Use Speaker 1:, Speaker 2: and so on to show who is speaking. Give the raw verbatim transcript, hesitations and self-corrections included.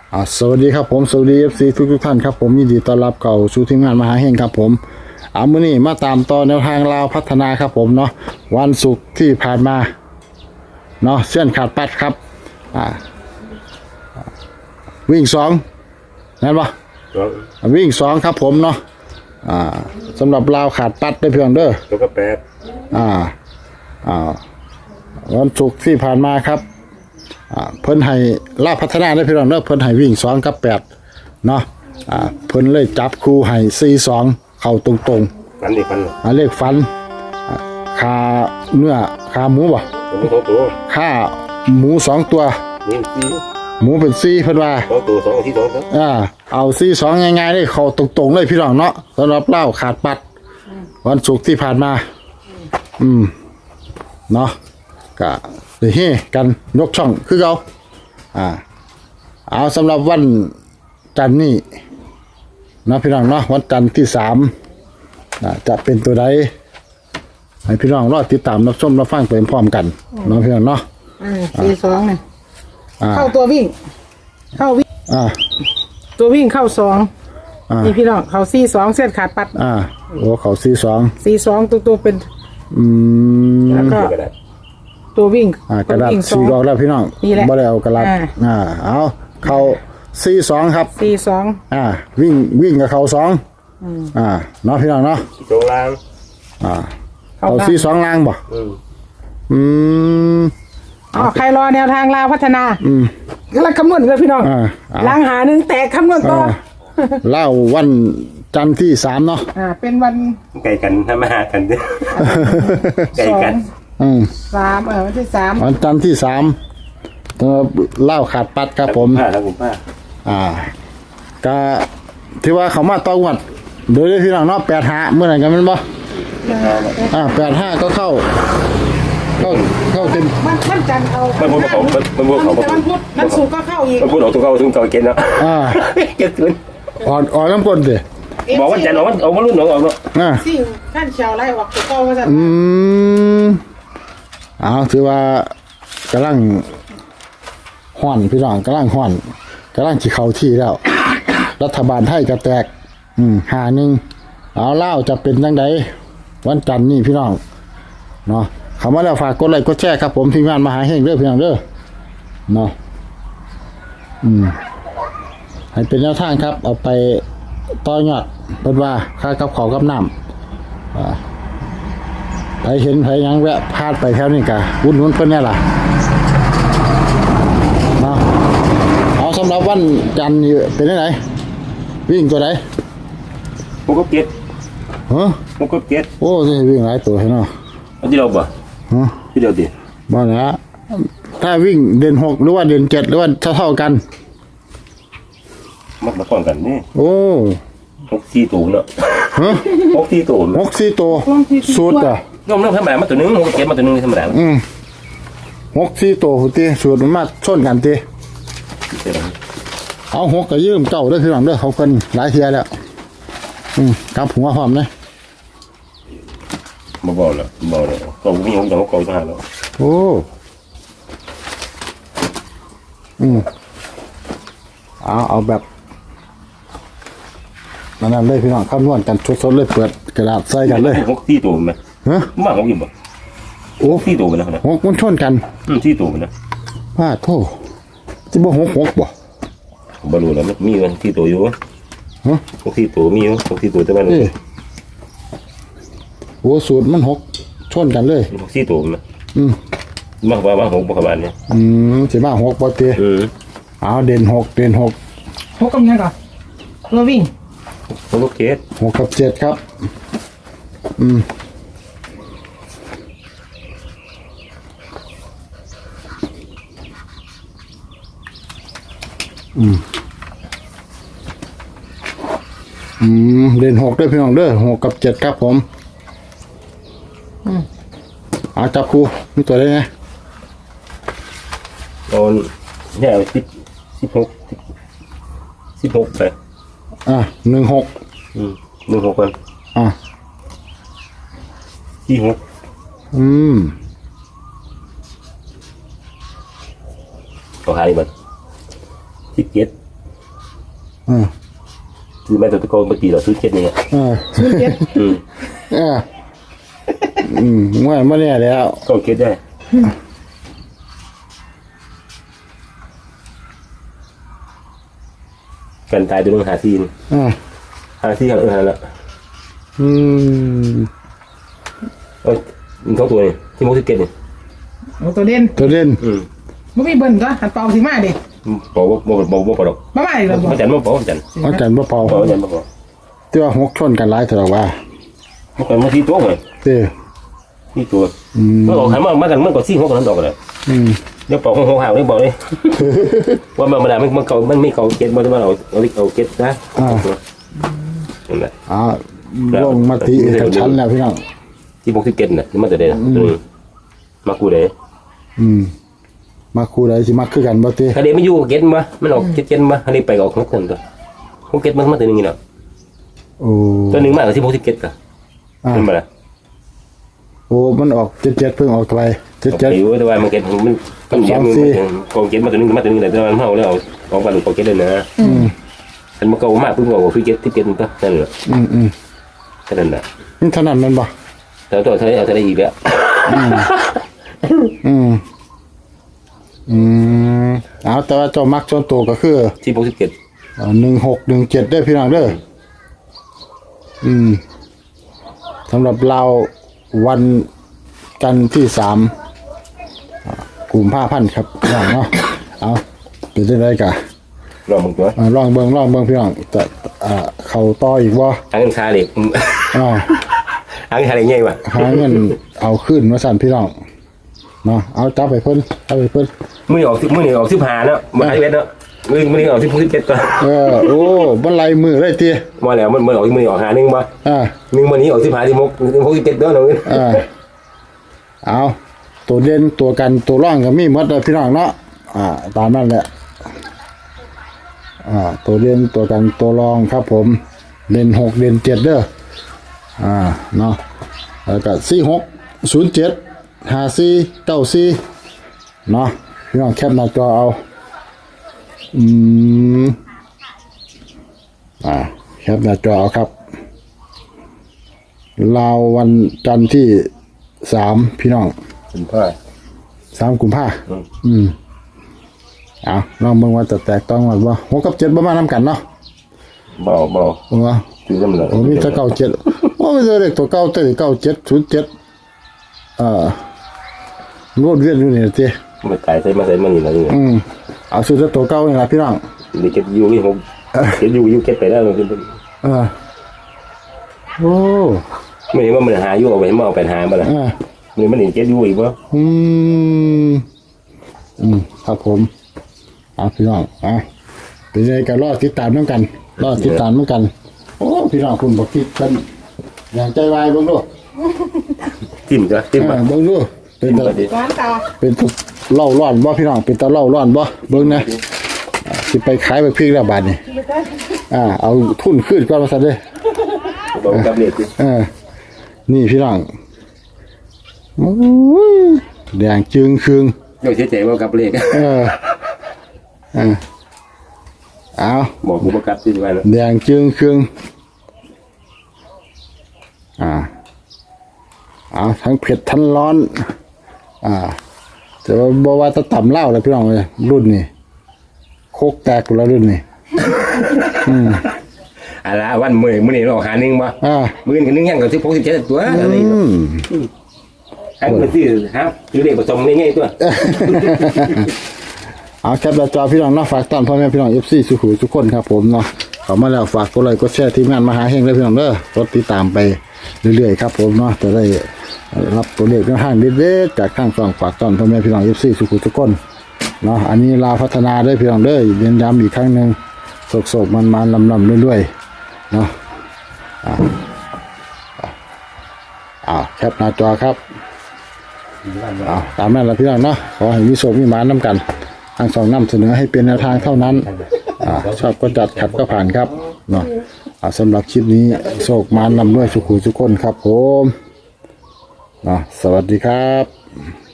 Speaker 1: อ่าสวัสดีครับผมสวัสดี เอฟ ซี ทุกทุกท่านครับผมยินดีต้อนรับเข้าสู่ทีมงานมหาเฮงครับผมเอามื้อนี้มาตามต่อแนวทางลาวพัฒนาครับผมเนาะวันศุกร์ที่ผ่านมาเนาะเส้นขาดปัดครับอ่าวิ่งสองนั่นปะวิ่งสองครับผมเนาะอ่าสำหรับลาวขาดปัดได้เพียงเด้อ
Speaker 2: แล้วก็แปด
Speaker 1: อ่าอ่าวันศุกร์ที่ผ่านมาครับอ่าเพิ่นให้ลาวพัฒนาได้เพียงเด้อเพิ่นให้วิ่งสองกับแปดเนาะอ่าเพิ่นเลยจับคู่ให้สี่สองเข้าตรงๆ
Speaker 2: ฟันดิฟันเลย
Speaker 1: อ่าเลขฟันขาเนื้อขาหมูบ่
Speaker 2: ผมมีสองตัว
Speaker 1: ขาหมูสองตัว
Speaker 2: นี่สี่
Speaker 1: หมูเป็นสี่เพิ่นว่า
Speaker 2: สองตัวสองที่สองครับ
Speaker 1: อ่าเอาสี่สองง่ายๆเลยเข้าตรงๆเลยพี่น้องเนาะสำหรับเล่าขาดปัดวันศุกร์ที่ผ่านมาอืมเนาะก็ได้เฮกันยกช่องคือเก่าอ่าเอาสำหรับวันจันทร์นี้นะพี่น้องเนาะวันจันทร์ที่สามนะจะเป็นตัวใดให้พี่น้องรอติดตามรับชมรับฟังไปพร้อมกันเนาะพี่น้องเนาะ
Speaker 3: อ่าสี่สองเนี่ย
Speaker 1: อ่า
Speaker 3: เข้าตัววิ่ง เข้าวิ่ง
Speaker 1: อ่า
Speaker 3: ตัววิ่งเข้าสอง
Speaker 1: อ่า
Speaker 3: นี่พี่น้องเขาสี่สองเส้นขาดปัด
Speaker 1: อ่าโอ้เขาสี่สอง
Speaker 3: สี่สองตัวตัวเป็น
Speaker 1: อืม
Speaker 3: แล้วก็
Speaker 2: ก็ได้
Speaker 3: ตัววิ่ง
Speaker 1: อ่ากระดาษ
Speaker 3: ตัววิ่งสอ
Speaker 1: สี่
Speaker 3: ง
Speaker 1: ดอกแล้วพี่น้อง
Speaker 3: นี่แหละ
Speaker 1: บ่ได้เอากระดาษ
Speaker 3: อ่า
Speaker 1: อ่าเอาเขาสี่สองครับ
Speaker 3: สี่สอง
Speaker 1: อ่าวิ่งวิ่งกับเขาสองอ่าเนาะพี่น้องเนาะ
Speaker 2: ตรงล่าง
Speaker 1: อ่าเขาสี่สองล่างบ่
Speaker 2: อืม
Speaker 1: อืม
Speaker 3: อ๋อใครรอแนวทางลาวพัฒนา
Speaker 1: อืม
Speaker 3: กำลังคำนวณกันพี่น้อง
Speaker 1: อ่าเอา
Speaker 3: ล้างหาหนึ่งแตกคำนวณต่อ
Speaker 1: อ่าเล่าวันจันทร์ที่สามเนาะ
Speaker 3: อ่าเป็นวัน
Speaker 2: ไก่กันถ้ามาหากันเนี่ยไก่
Speaker 3: สอ
Speaker 2: กั
Speaker 3: ง
Speaker 2: น
Speaker 1: อืม
Speaker 3: สามเออวันที่สาม
Speaker 1: วันจันทร์ที่สามตัวเล่าขาดปัดครับผม
Speaker 2: ผ้าแล้วผมผ้า
Speaker 1: อ่าก็ที่ว่าเขามาต้องวัดโดยที่พี่น้องเนาะแปดห้าเมื่อไหร่กันแมันบ่อ่าแปดห้าก็เข้าเข้าเข้าเต็ม
Speaker 3: วันวันจันทร์เอา
Speaker 2: มันพูดเขามันพูดเขา
Speaker 3: วันพุธวันศุกร์ก็เข้าอีก
Speaker 2: มันพูดเขาตัวเขาถึงเก่าเกณฑ์แล้ว
Speaker 1: อ่า
Speaker 2: เกณฑ์ถึง
Speaker 1: อ่อนอ่อนน้ำก้นดิ
Speaker 2: บอกว่าจันทร์เอาว่าเอาว่ารุ่นหนองออกเนาะ
Speaker 1: อ่า
Speaker 3: สิ่งท่านชาวไร่ออกตัวเก้าว่าจะ
Speaker 1: อืมเอาถือว่ากำลังห่อนพี่น้องกำลังห่อนกำลังจีเข้าที่แล้ว รัฐบาลไทยก็แตก อืมหาหนึ่งเอาเล่าจะเป็นยังไงวันจันทร์นี่พี่น้องเนาะคำว่าแล้วฝากกดไลค์กดแชร์ครับผมทีมงานมหาเฮงเด้อพี่น้องเด้อเนาะอืมให้เป็นแนวทางครับ เอาไปต่อยอดเป็นว่าค่ากับขอกับน้ำอ่าไปเห็นไปยังแวะพลาดไปแถวนี้กะวุ่นวุ่นเพิ่นเนี่ยล่ะเนาะเอาสำหรับวันจันทร์นี่เป็นยังไงวิ่งตัวไหน
Speaker 2: ผมก็เก็ต
Speaker 1: ฮะ
Speaker 2: ผมก็เก็ต
Speaker 1: โอ้สิวิ่งหลายตัวเนาะ
Speaker 2: อันที่เราบ่
Speaker 1: ฮะ
Speaker 2: ที่เดียวดิ
Speaker 1: บ่นะถ้าวิ่งเด่นหกหรือว่าเด่นเจ็ดหรือว่าเท่าเท่าๆกัน
Speaker 2: มักมาก่อนกันนี่
Speaker 1: โอ้
Speaker 2: หกสี่ตัวเนาะ
Speaker 1: ฮะ
Speaker 2: หกสี่ตัว
Speaker 1: หกสี่ตัวสูตรอ่ะ
Speaker 2: น้องน้องธรรมดามาตัวนึงผมก็เก็ตมาตัวนึงธรรมดา
Speaker 1: อืมหกสี่ตัวตีสูตรมันมาชนกันตีเอาหกกับยืมเก่าด้วยพี่หลังด้วยเขาคนหลายเทียแล้วอืมกลับหัวหอมเลย
Speaker 2: บ่บ่แล้วบ่แล้วก็มีของอย่างเขาเก่าทหารแล้ว
Speaker 1: โอ้อืมเอาเอาแบบนั่นเลยพี่น้องคำนวณกันสดๆเลยเปิดกระดาษใส่กันเลย
Speaker 2: หกสี่ตัวมั้ย
Speaker 1: ฮะ
Speaker 2: มาของอยู่บ่
Speaker 1: โอ้
Speaker 2: สี่ตัวนะ
Speaker 1: หกมันชนกัน
Speaker 2: อืมสี่ตัวนะ
Speaker 1: ว่าโทษจะบ่หกหกบ่
Speaker 2: บรู้แล้วมีมันสี่ตัวอยู่
Speaker 1: ฮะ
Speaker 2: หกสี่ตัวมีอยู่หกสี่ตัวแต่ว่า
Speaker 1: เอ้โอ้สูตรมันหกชนกันเลย
Speaker 2: หกสี่ตัวมั้ย
Speaker 1: อืม
Speaker 2: มากกว่ามาหกประมาณนี้
Speaker 1: อืมสิมาหกบ่เตะ
Speaker 2: อืม
Speaker 1: เอาเด่นหกเด่นหก
Speaker 3: หกกับยังก่อนตัววิ่ง
Speaker 2: ผมก็เกต
Speaker 1: หกกับเจ็ดครับ อืมอืมอืมเด่นหกด้วยพี่น้องเด้อหกกับเจ็ดครับผม
Speaker 3: อืม
Speaker 1: เอาจับครูนี่ตัวได้ไง
Speaker 2: ตอนเนี่ยสิบสิบหกสิบหกไป
Speaker 1: อ่ะหนึ่งหก
Speaker 2: อืมหนึ่งหกกัน
Speaker 1: อ่ะ
Speaker 2: สี่หก
Speaker 1: อืม
Speaker 2: เขาหายบัดสิบเจ็ด
Speaker 1: อืม
Speaker 2: ซื้อแม่ตัวตะโกนปกติเราซื้อเจ็ดนี่ไง
Speaker 1: เออ
Speaker 3: ศูนย์เจ็ด
Speaker 2: อืม
Speaker 1: เอออืมว่าไม่แน่แล้ว
Speaker 2: ก็เก็ตได้กันตายตัวนึงหาซีน
Speaker 1: อ่า
Speaker 2: หาซีหาเออหาละ
Speaker 1: อืม
Speaker 2: เอ้ยมันท้องตัวนี่ที่มุกที่เก็ตนี่
Speaker 3: โอ้ตัวเด่น
Speaker 1: ตัวเด่น
Speaker 2: อืม
Speaker 3: บ่มีเบิ่นก็หันเป่าสิมาดิ
Speaker 2: บอกว่าบอกบอกบอกดอก
Speaker 3: มามาอีกแล้วบ่
Speaker 2: มันจันมันบอกมันจัน
Speaker 1: อาจารย์บ่เป่า
Speaker 2: บอกจันบอกบอก
Speaker 1: ที่ว่าหกชนกันหลายเท่าไหร่ว่า
Speaker 2: มันเป็นมาที่ตัวเลย
Speaker 1: เต้
Speaker 2: ที่ตัว
Speaker 1: อืม
Speaker 2: เมื่อออกหายมามากันเมื่อก่อนซี่หกกันนั้นดอกเลย
Speaker 1: อืม
Speaker 2: เดี๋ยวปอกของหงหาวนี่บอกเลยว่ามันมันมันเก่ามันไม่เก่าเก็ตมันจะมาเอาเอาเอาเก็ตนะนั่นแหละ
Speaker 1: อ่าลงมติกับชั้นแล้วพี่น้อง
Speaker 2: ที่มุกที่เก็ตน่ะที่มันจะได้มากูได้
Speaker 1: อืมมาคู่ใดสิมาคือกันบ่ติ
Speaker 2: ถ้าเดี๋ยวไม่อยู่เก็ตมามันออกเก็ตเก็ตมาอันนี้ไปออกของคนตัวของเก็ตมันมาตัวนึงนี่เนาะ
Speaker 1: โอ้
Speaker 2: ตัวนึงมากกว่าที่มุกที่เก็ตกัน
Speaker 1: อ่า
Speaker 2: เป็นมาละ
Speaker 1: โอ้มันออกเจ็ดเจ็ดเพิ่งออกไปเจ็ด
Speaker 2: เจ็
Speaker 1: เจ็
Speaker 2: ด
Speaker 1: ด
Speaker 2: แต่ว่ามันเก็ตมันมันเยอะมันกองเก็ตมาตัวนึงมาตัวนึงแต่ว่ามันเท่าแล้วเอาเอาไปหลุดกองเก็ตเลยนะ
Speaker 1: อืม
Speaker 2: มันมาเก่ามากเพิ่งบอกที่เก็ตที่เก็ตมันก็นั่นแหละ
Speaker 1: อืมอืม
Speaker 2: แค่นั้นแหละ
Speaker 1: นี่เท่านั้นแมันบ่
Speaker 2: แต่ตัวเธอเอาเธอได้อีกแล้ว
Speaker 1: อืมอืมเอาแต่ว่าเจ้ามักส่วนตัวก็คือ
Speaker 2: ที่มุกที่เก็ต
Speaker 1: หนึ่งหกหนึ่งเจ็ดได้อพี่น้องเด้ออืมสำหรับเราวันจันทร์ที่สามอ่ากลุ่มผ้าพันธ์ครับพี่น้องเนาะเอาเป็นได้ไรกะ
Speaker 2: ลองมึงตัว
Speaker 1: อ่าลองเบิ่งลองเบิ่งพี่น้องจะอ่าเข้าต่ออีกบ่
Speaker 2: ทางเงินคาเหล็ก
Speaker 1: อ่า
Speaker 2: ทางเงินคาเหล็กไงวะ
Speaker 1: หาเงินเอาขึ้นมาสั่นพี่น้องเนาะเอาจับไปเพิ่นจับไปเพิ่น
Speaker 2: มือออกสิมือนี่ออกสิบหาเนาะมาไอเวทเนาะมือมือนี่ออกสิบหกสิบเจ็ดตัว
Speaker 1: เออโอ้บ่ไล่มือเลยติ
Speaker 2: มาแล้วมันมันออกมือออกหาหนึ่งมา
Speaker 1: อ่า
Speaker 2: หนึ่งวันนี้ออกสิบหาสิบหกสิบหกสิบเจ็ดตัวเนาะ
Speaker 1: อ่าเอาตัวเด่นตัวกันตัวร่องก็มีหมดเลยพี่น้องเนาะอ่าตามนั้นแหละอ่าตัวเด่นตัวกันตัวรองครับผมเด่นหกเด่นเจ็ดเด้ออ่าเนาะแล้วก็สี่หกศูนย์เจ็ดห้าสี่เก้าสี่เนาะพี่น้องแคปหน้าจอเอาอืมอ่าแคปหน้าจอเอาครับลาววันจันทร์ที่สามพี่น้อง
Speaker 2: เป็นพ่อ
Speaker 1: สามกุมภา
Speaker 2: อืม
Speaker 1: อืมเอาลองเบิ่งว่าจะแตกต้องกันบ่หกกับเจ็ดประมาณน้ำกันเนาะ
Speaker 2: เบาเบา
Speaker 1: โอ้ว่า
Speaker 2: คือจำเลย
Speaker 1: โอ้มีแต่เก้าเจ็ดโอ้มีแต่เด็กตัวเก้าเต้เก้าเจ็ดศูนย์เจ็ดเอ่อรวดเวียนอยู่นี่ติ
Speaker 2: มันตายใส่มาใส่มันนี่นะนี่
Speaker 1: อืมเอาซื้อแต่ตัวเก้านี่ล่ะพี่น้อง
Speaker 2: เด็กเก็บยูนี่ผมเก็บยูยูเก็บไปได้เลย
Speaker 1: เออโอ้
Speaker 2: ไม่เห็นว่ามันหายูเอาไปมาเอาไปหามาละ
Speaker 1: อ่า
Speaker 2: นี่มันเห็นเก็บยูอีกวะ
Speaker 1: อืมอืมครับผมเอาพี่น้องอ่ะเป็นไงกันรอดติดตามน้ำกันรอดติดตามน้ำกันโอ้พี่น้องคุณบอกคิดกันอย่างใจวายเบิ่งดู
Speaker 2: จิ้มจ้ะจิ้ม
Speaker 1: อ่า
Speaker 2: มา
Speaker 1: เบิ่งดูเป็น
Speaker 2: จิ้ม
Speaker 1: ตา
Speaker 2: มาดิ
Speaker 3: ร้านตา
Speaker 1: เป็นตาเล่าร้อนบ่พี่น้องเป็นตาเล่าร้อนบ่เบิ่งนะอ่าสิไปขายไปพริกแล้วบาดนี้อ่าเอาทุนขึ้นก่อนว่าซั่นเด้อ
Speaker 2: บอกกับเล็กดิ
Speaker 1: เออนี่พี่น้องโอ้ยแดงจึงครึง
Speaker 2: โยกเสียใจว่ากับเล็ก
Speaker 1: เออเออเอา
Speaker 2: บอกกูประกับที่ว่า
Speaker 1: แดงจึงครึงอ่าเอาทั้งเผ็ดทั้งร้อน อ่าแต่ว่าบ่ว่าจะต่ำเหล้าเลยพี่น้องเลยรุ่นนี้โคกแตกแล้วรุ่นนี้
Speaker 2: อะไรวันมือมือนี่เราหาหนึ่งมา
Speaker 1: อ่า
Speaker 2: มือนี่นึงยังกับสิบหกสิบเจ็ดตัวอะไร
Speaker 1: อืม
Speaker 2: ให้มันซื้อฮะซื้อเด็กผสมง่ายๆตัว
Speaker 1: เอาแคปหน้าจอพี่น้องเนาะฝากต้อนพ่อแม่พี่น้อง เอฟ ซี สุขุมทุกคนครับผมเนาะเข้ามาแล้วฝากกดไลค์กดแชร์ทีมงานมหาเฮงเลยพี่น้องเด้อกดติดตามไปเรื่อยๆครับผมเนาะจะได้รับตัวเลขในห้างเด็ดๆจากข้างฝั่งฝากต้อนพ่อแม่พี่น้อง เอฟ ซี สุขุมทุกคนเนาะอันนี้ลาวพัฒนาได้พี่น้องเด้อเรียนย้ำอีกครั้งหนึงโศกๆมันๆลำๆเรื่อยๆเนาะอ่าอ่าแคปหน้าจอครับอ่าตามนั้นละพี่น้องเนาะขอให้มีโศกมีหมานน้ำกันทางสองนำเสนอให้เป็นแนวทางเท่านั้นอ่าชอบก็จัดขัดก็ผ่านครับเนาะอ่าสำหรับคลิปนี้โศกหมานนำด้วยสุขุทุกคนครับผมเนาะสวัสดีครับ